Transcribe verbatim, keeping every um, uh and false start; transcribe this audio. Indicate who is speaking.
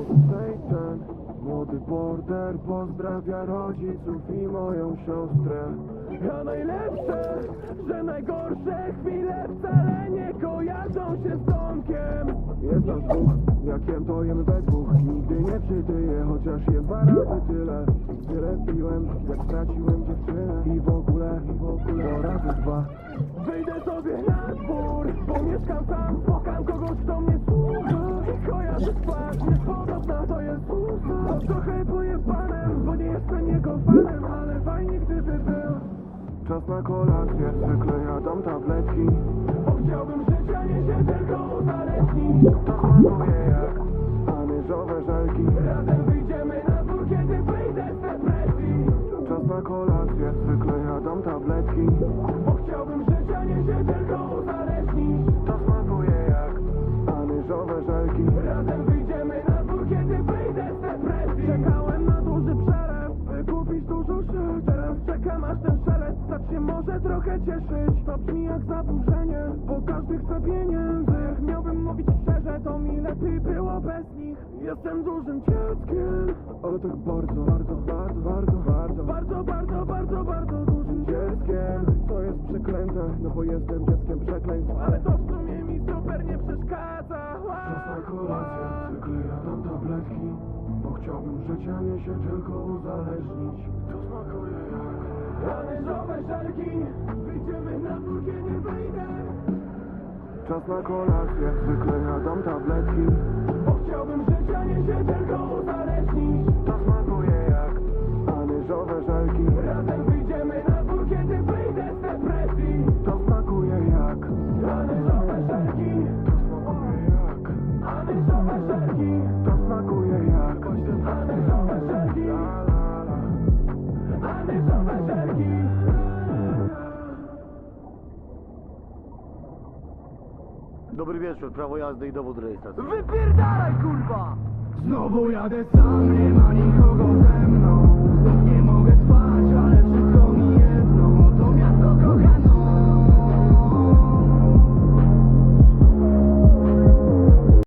Speaker 1: Satan, młody border pozdrawia rodziców i moją siostrę. A najlepsze, że najgorsze chwile wcale nie kojarzą się z domkiem. Jest nas dwóch, jak jem to jem we dwóch. Nigdy nie przytyję, chociaż jem dwa razy tyle. Tyle piłem, jak straciłem dziewczynę. I w ogóle, i w ogóle, to razy dwa. Wyjdę sobie na dwór, bo mieszkam sam, spokam kogoś, kto mnie słucha. I kojarzy twarz, niepodobna to jest usta. To trochę pojebane, bo nie jestem jego fanem, ale fajnie gdyby był. Czas na kolację, zwykle jadam tabletki, bo chciałbym życia, nie się tylko uzależnić. To smakuje jak anyżowe żelki. Razem wyjdziemy na dwór, kiedy wyjdę z depresji. Czas na kolację, zwykle jadam tabletki, bo chciałbym życia, nie się tylko uzależnić. To smakuje jak anyżowe żelki. Razem wyjdziemy na dwór, kiedy wyjdę z depresji. Czekałem na duży przelew, by kupić dużo szyb. Teraz czekam, aż ten szelest stać się może trochę cieszyć. To brzmi jak zaburzenie, bo każdy chce pieniędzy. Jak miałbym mówić szczerze, to mi lepiej było bez nich. Jestem dużym dzieckiem, ale tak bardzo, bardzo, bardzo, bardzo, bardzo, bardzo, bardzo, bardzo, bardzo dużym dzieckiem. To jest przeklęte, no bo jestem dzieckiem przekleństw, ale to w sumie mi super nie przeszkadza. Czas na kolację, zwykle jadam tabletki, bo chciałbym życia, nie się tylko uzależnić. To smakuje jak anyżowe żelki. Wyjdziemy na dwór, kiedy wyjdę. Czas na kolację, zwykle jadam tabletki, bo chciałbym życia, nie się tylko uzależnić. To smakuje jak anyżowe żelki. Razem wyjdziemy na dwór, kiedy wyjdę z depresji. To smakuje jak anyżowe żelki. To smakuje jak anyżowe żelki. To smakuje jak anyżowe żelki. Anyżowe żelki.
Speaker 2: Dobry wieczór, prawo jazdy i dowód rejestracyjny.
Speaker 3: Wypierdalaj, kurwa!
Speaker 1: Znowu jadę sam, nie ma nikogo ze mną.